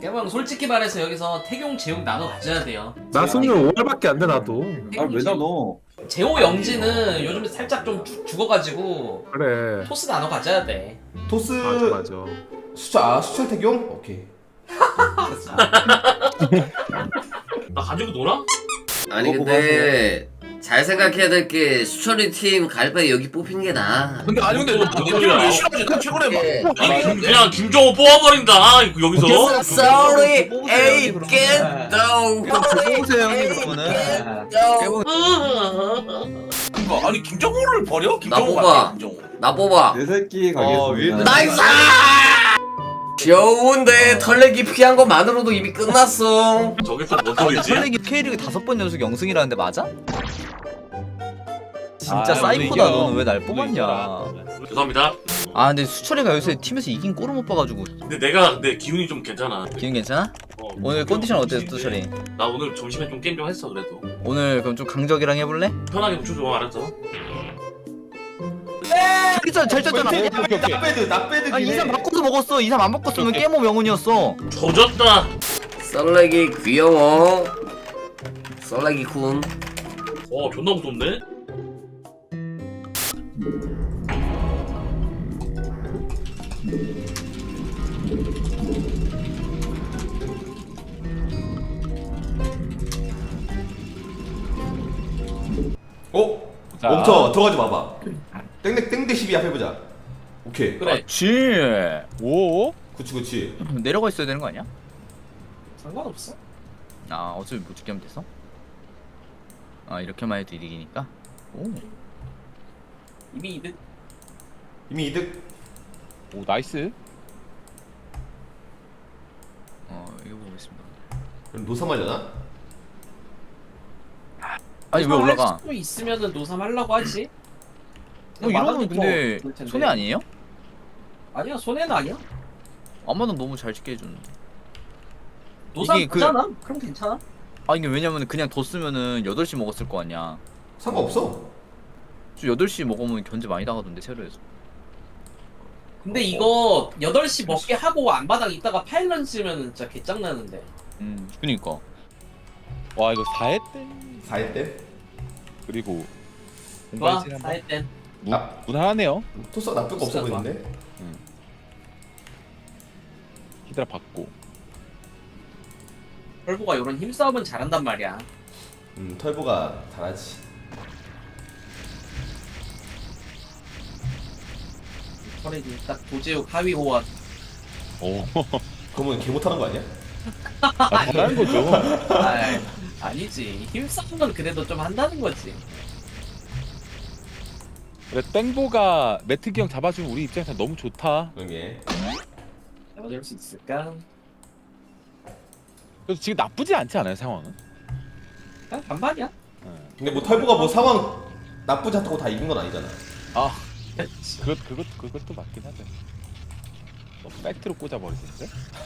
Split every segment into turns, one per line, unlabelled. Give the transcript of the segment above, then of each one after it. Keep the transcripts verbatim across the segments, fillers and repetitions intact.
깨방 솔직히 말해서 여기서 태경 재용 나눠 가져야 돼요.
나 승률 오 할밖에 안 돼 나도.
아왜 나눠?
재호 영지는 요즘 살짝 좀 죽- 죽어가지고
그래.
토스 나눠 가져야 돼.
토스
맞아 맞아.
수철 아 수철 태경? 오케이.
나 가지고 놀아?
아니 근데 잘 생각해야 될 게 수철이 팀 갈바에 여기 뽑히는 게 나아.
근데 아니 근데 너 태경을 왜 싫어하지? 나 최근에
예.
막 아니 김- 그냥 김정호 뽑아버린다 여기서.
Sorry, A get down.
보세요 형님 그러면은.
그러니까 아니 김정호를 버려? 김정호
뽑아.
같아 김정호.
나 뽑아.
내 새끼
어,
가겠습니다.
나이스! 좋은데 털레기 피한 것만으로도 이미 끝났어.
저게 또 뭔
아,
소리지?
설레기 K리그 다섯 번 연속 영승이라는데 맞아? 진짜
아,
사이코다.
오늘
너는 왜 날
이겨.
뽑았냐?
오늘
죄송합니다.
아 근데 수철이가 요새 팀에서 이긴 꼴을 못 봐가지고.
근데 내가 내 기운이 좀 괜찮아.
기분 괜찮아?
어,
오늘 컨디션 어땠어 수철이?
나 오늘 점심에 좀 게임 좀 했어 그래도.
오늘 그럼 좀 강적이랑 해볼래?
편하게 붙여줘 알았어?
잘했잖아 잘 짰잖아.
오케이, 오케이.
낙배드 낙배드
아 이삼 바꿔서 먹었어. 이삼 안 바꿨으면 깨모 명운이었어.
조졌다.
썰레기 귀여워. 썰레기 군.
어 존나 무섭네.
어?
자.
멈춰 들어가지 마봐. 땡땡 땡대 십이 앞 해보자. 오케이.
그래.
지
오?
그치 그치.
내려가 있어야 되는 거 아니야?
상관없어.
아 어차피 못 죽게 하면 됐어? 아 이렇게만 해도 이득이니까. 오.
이미 이득.
이미 이득.
오 나이스.
어 이거 보겠습니다.
그럼 노사말려나?
아니 왜 올라가?
수 있으면은 노삼 하려고 하지.
어 이러면 근데
좋을 텐데.
손해 아니에요?
아니야 손해는 아니야.
아마도 너무 잘 찍게 해주는.
노삼
이게 그-
보잖아. 그럼 괜찮아.
아 이게 왜냐면 그냥 뒀으면은 여덟 시 먹었을 거 아니야.
상관없어.
저 여덟 시 먹으면 견제 많이 나가던데 세로에서.
근데 이거 여덟 시 먹게 하고 안바닥 있다가 파일런 쓰면은 진짜 개짱나는데.
음 그니까.
와 이거 사 회 때
사 회 때?
그리고
좋아.
공발진 한번
사회 땐.
무, 무난하네요.
토스가 나쁠 거 없어
진짜 좋아.
보이는데?
히드라 받고.
펄보가 이런 힘싸움은 잘한단 말이야.
음 털보가 잘하지.
털이 딱 도제욱 하위 호환.
오.
그러면 개 못하는 거 아니야?
아, 잘하는 거죠.
아, 아니지. 힘싸움은 그래도 좀 한다는 거지.
그래 땡보가 매트기 형 잡아주면 우리 입장에서 너무 좋다.
그러게.
잡아줄 수 있을까?
그래서 지금 나쁘지 않지 않아요 상황은?
아, 반반이야.
근데 뭐 털보가 뭐 상황 나쁘지 않다고 다 이긴 건 아니잖아.
아 그것 그것 그것도 맞긴 하죠. 너무 팩트로 꽂아버리시는데?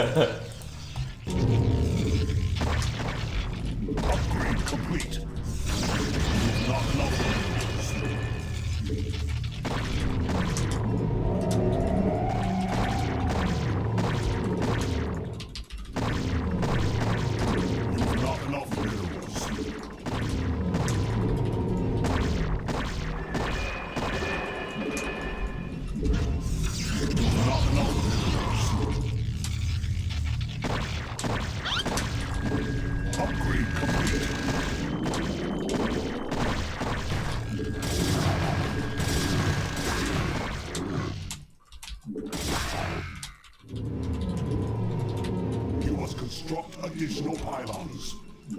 You must construct additional pylons.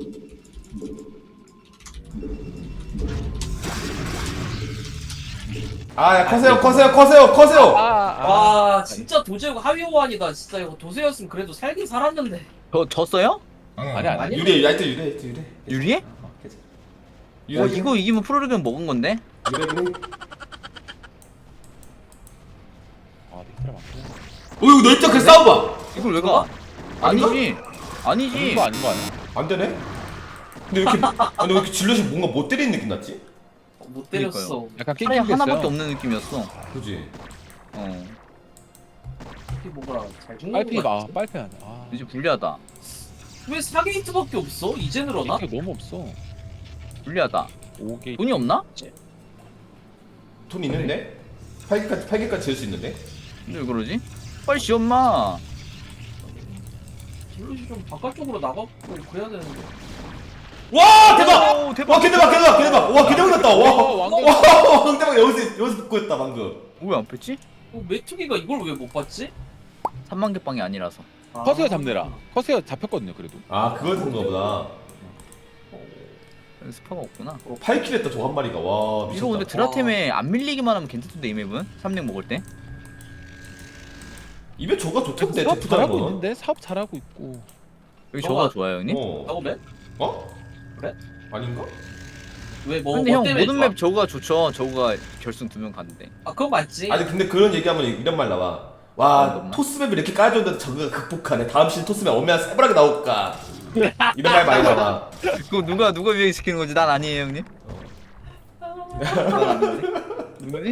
아야 커세요 커세요 커세요 커세요.
와, 진짜 도제욱 하위 호환이다. 진짜 이거 도세였으면 그래도 살긴 살았는데.
저 졌어요?
아니 아니.
아니,
유리해 하여튼 유리해 하여튼 유리해.
유리해?
어, 괜찮아.
어
유리하긴
이거 이기면 프로리그는 먹은 건데?
유리하긴 해.
아 히드라 맞긴 해.
어 이거 너 입장 그 싸워봐.
이걸 왜 가? 아니지. 아니지.
이거 아닌 거 아니야?
안 되네? 근데 왜 이렇게 아니 왜 이렇게 질럿이 뭔가 못 때리는 느낌 났지?
못 때렸어.
약간
차라리
낑낑댔어요.
하나밖에 없는 느낌이었어.
그지?
어.
빨피 뭐가 잘 죽는
빨피
거
봐.
같지?
빨피 아니야. 아.
이제 불리하다.
왜 사 게이트밖에 없어? 이제 늘어나?
이게 너무 없어.
불리하다.
오 개.
돈이 없나?
돈 있는데? 팔 개까지 팔 개까지 지을 수 있는데?
근데 왜 그러지? 빨리 지엄 마.
질럿이 좀 바깥쪽으로 나가고 그래야 되는데.
와 대박!
오, 대박.
와 개대박 개대박 개대박! 와 개대박 났다! 와!
어, 왕대.
와 왕대박 여기서 여기서 붙고했다 방금.
왜 안 뺐지?
어, 메뚜기가 이걸 왜 못 봤지?
삼만 개 빵이 아니라서.
아.
커세어 잡내라. 커세어 잡혔거든요. 그래도.
아 그걸 든가 보다.
스파가 없구나.
팔 킬 했다 저 한 마리가. 와 미쳤다.
이거 근데 드라템에 안 밀리기만 하면 괜찮던데 이 맵은? 삼 렙 먹을 때?
입에 조가 좋던데
사업 잘하고
데프다는
있는데 사업 잘하고 있고.
여기
너가-
저가 좋아요 형님?
어.
작업해?
어?
그래?
아닌가?
왜 뭐?
근데
뭐
형
때문에
모든
좋아?
맵 저거가 좋죠. 저거가 결승 두 명 갔는데.
아 그건 맞지.
아니 근데 그런 얘기하면 이런 말 나와.
아,
와
너무나?
토스맵을 이렇게 깔아줬는데 저거가 극복하네. 다음 시즌 토스맵 얼마나 세분하게 나올까. 이런 말 많이 나와.
그거 누가 누가 유행시키는 건지 난 아니에요 형님? 난 아닌데? 누구지?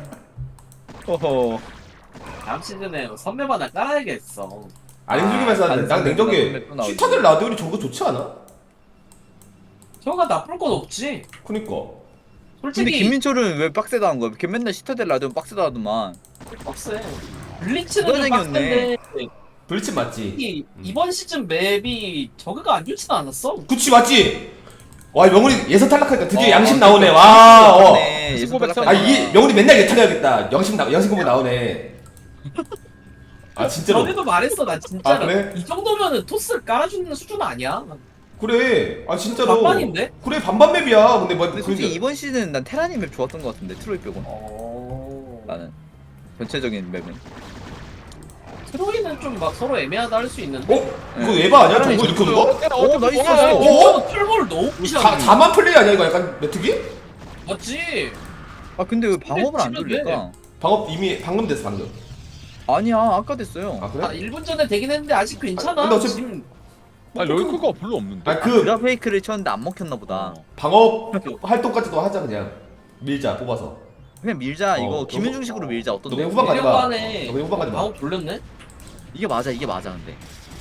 어허.
다음 시즌에 선맵 하나 깔아야겠어.
아니 솔직히 말해서
안
난 냉정하게
선배 또 나오지.
슈타들 라디오니 저거 좋지 않아?
저가 나쁠 건 없지.
그니까.
솔직히
근데 김민철은 왜 빡세다 한 거야? 걔 맨날 시타델 라디오 빡세다 하더만.
빡세. 블리츠는
누가
좀
생겼네.
빡센데
블리츠 맞지?
이 이번 시즌 맵이 저그가 안 좋진 않았어.
그치 맞지? 와 명훈이 예선 탈락하니까 드디어
어,
양심
어,
나오네.
드디어
와. 어.
네, 예선
고백
탈락하니까.
아 이게 명훈이 맨날 예탈해야겠다. 양심 나 양심 공부 나오네. 아 진짜로.
전에도 말했어 나 진짜로.
아, 그래?
이 정도면은 토스를 깔아주는 수준 아니야.
그래. 아 진짜로.
반반인데?
그래 반반 맵이야. 근데 뭐
근데 솔직히
그러니까-
이번 시즌 난 테라니 맵 좋았던 것 같은데 트로이 빼고
어.
나는 전체적인 맵은.
트로이는 좀 막 서로 애매하다 할 수 있는데.
어? 이거 에바 아니야? 정글 이렇게 오는 거?
오, 나이스.
어?
어? 털볼 너무 무시하네.
자, 자만 플레이 아니야 이거 약간 메트기?
맞지?
아 근데 왜 방업을 안
치면
돌릴까?
방업 이미 방금 됐어 방금.
아니야 아까 됐어요.
아 그래?
아 일 분 전에 되긴 했는데 아직 괜찮아.
근데 어차피-
지금
아 럴크가 별로 없는데.
아 그
드라 페이크를 쳤는데 안 먹혔나 보다.
어.
방업 활동까지도 하자 그냥 밀자 뽑아서.
그냥 밀자
어,
이거
너무-
김윤중식으로 밀자 어떤
너무
놈?
후반 가지 마.
후반에
너무 후반 가지 마.
방업 돌렸네?
이게 맞아 이게 맞아 근데.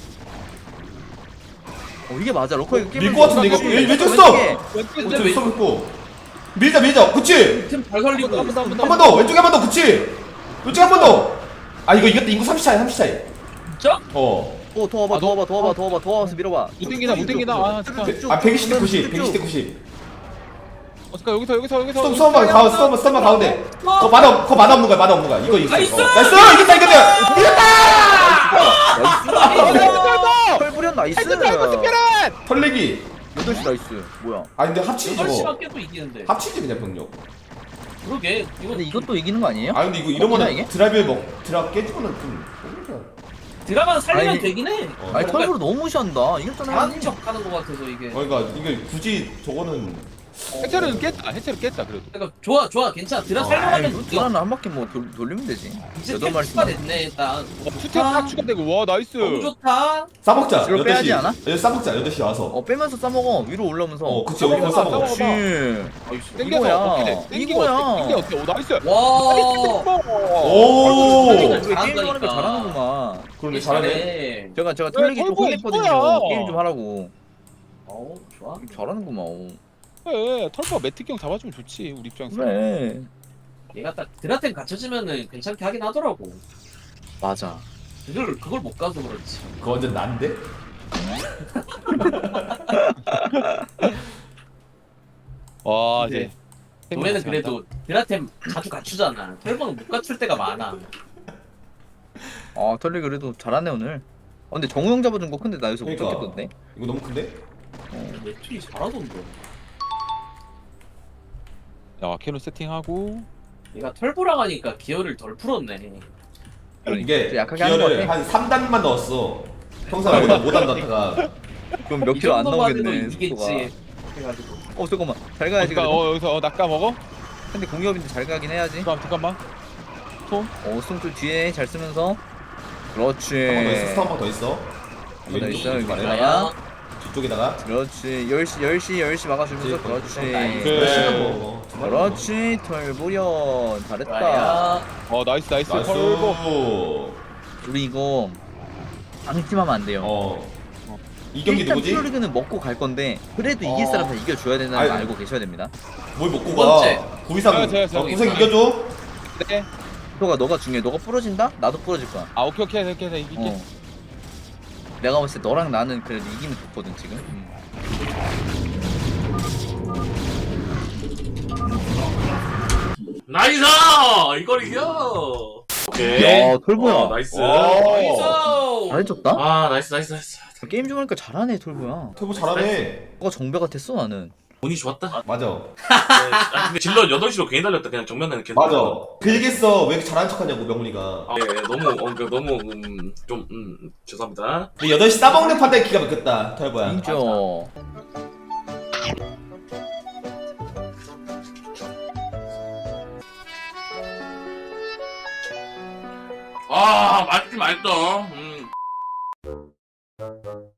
어 이게 맞아 러커 이거
밀 것 같은데 이거 왜, 왜 줬어? 왼쪽에
왜-
써먹고 밀자 밀자 그치?
팀잘 살리고
한번 더, 한번 더.
한 번 더 왼쪽에 한 번 더 그치? 왼쪽에 한 번 더. 아 이거 이겼다 인구 삼십 차이 삼십 차이.
진짜?
어.
어더 와봐
아,
더
너-
와봐 더 와봐 더 와봐 더 와서 밀어봐.
못 땡기나 못 땡기나. 아 잠깐.
쭉,
아 백이십 대
쭉,
구십
쭉,
백이십 대
쭉.
구십.
어 잠깐 여기서 여기서 여기서.
스톰 스톰만 가운데 스톰만 스톰만 가운데.
어.
거 만화 거 만화 없는 거야 만화 없는 거야 이거 이겼어.
나이스!
어. 나이스 이겼다 이겼다.
털 부렸 나이스.
털레기.
여덟 시 나이스. 뭐야?
아 근데 합치지
여덟
저거.
시밖에 또 이기는데.
합치지 그냥 병력.
그러게. 이거
근데 이것도 이기는 거 아니에요?
아 근데 이거
먹히나,
이러면
이게?
드라이브 먹 드라 깨지고는 좀.
드라마 살리면
아니,
되긴 해.
어.
아니 털부로 너무 무시한다. 이겼잖아.
잘하는 척 하는 것 같아서 이게.
그러니까 이게 굳이 저거는
해체를 깼다. 해체를 깼다 그래도.
그러니까 좋아 좋아 괜찮아. 드라
아이
살려가면
루트라는 한 바퀴 뭐 돌, 돌리면 되지.
이제
여덟 마리
템프가 됐네 일단.
투탭 딱 추가되고 와 나이스.
너무 좋다.
싸먹자.
이걸
여덟 시.
빼야지 않아?
여덟 시 싸먹자. 여덟 시 와서.
어 빼면서 싸먹어. 위로 올라오면서.
어, 그치. 여기서 싸먹어.
그렇지.
땡겨서
이거야.
어떻게 돼? 땡기고
이거야.
어떻게 땡겨 어떻게? 오 나이스.
와.
오.
살리니까
우리 게임 좀 하는 거
잘한다니까.
잘하는구만.
그러네 잘하네.
제가 제가 털리기 좀
털보
혼냈거든요.
이거야.
게임 좀 하라고.
어 좋아.
잘하는구만. 어.
그래 털보가 매트경 잡아주면 좋지 우리 입장에서.
그래.
얘가 딱 드라템 갖춰지면은 괜찮게 하긴 하더라고.
맞아.
그걸 그걸 못 가서 그렇지.
그거 완전 난데?
와
네.
이제.
너네는 그래도 드라템 자주 갖추잖아. 털보는 못 갖출 때가 많아.
아 털리 그래도 잘하네 오늘. 어, 근데 정우 형 잡아준 거 큰데 나 여기서 못
그러니까.
잡겠던데.
이거 너무 큰데?
매출이 잘하던데.
야 캐논 세팅하고.
얘가 털보랑 하니까 기어를 덜 풀었네.
좀
이게
그러니까 약하게 하는 거
기어를
같아.
한 삼 단만 넣었어. 평소에 못, 못한 넣다가
그럼 몇
이
킬로 안
정도만 해도
나오겠네.
이기겠지.
속도가.
해가지고.
어 잠깐만. 잘 가야지
그러니까
그래도.
어 여기서 어 낚아 먹어.
근데 공격인데 잘 가긴 해야지.
잠깐 잠깐만.
어 스톰 뒤에 잘 쓰면서. 그렇지.
한 번 더 있어. 스타 한번 더 있어.
한번더
왼쪽,
있어, 여기
왼쪽
있어요.
아래.
야.
뒤쪽에다가.
그렇지. 열 시 열 시 열 시 막아주면서 그렇지.
그래.
뭐, 두 마리
그렇지. 털보련 잘했다.
좋아요.
어 나이스 나이스
나이스.
털보.
우리 이거 방심하면 안 돼요.
어. 이 경기
일단
누구지?
프로리그는 먹고 갈 건데 그래도 이길
어.
사람 다 이겨줘야 된다는 거
아유.
알고 계셔야 됩니다.
뭘 먹고
두 번째.
가? 구이상
저요, 저요, 저요.
어, 구생 이겨줘.
네.
너가 너가 중요해. 너가 부러진다? 나도 부러질 거야.
아 오케이 오케이 오케이 오케이 이길게.
어. 내가 봤을 때 너랑 나는 그래도 이기면 좋거든 지금.
나이스! 이걸 이겨! 오케이.
야, 톨보야.
어, 나이스.
오.
잘해줬다?
아, 나이스, 나이스, 나이스.
게임 중 하니까 잘하네 톨보야.
털보 잘하네.
너가 정배 같았어 나는.
운이 좋았다.
맞아.
네. 아, 근데 질러 여덟 시로 괜히 달렸다. 그냥 정면에는 계속.
맞아. 빌겠어. 왜 이렇게 잘하는 척하냐고 명훈이가.
아, 예, 너무, 어, 그, 너무, 음, 좀, 음, 죄송합니다.
근데 여덟 시 싸먹는 판단이 기가 막혔다. 털보야.
인정.
아, 맛있긴 맛있어. 음.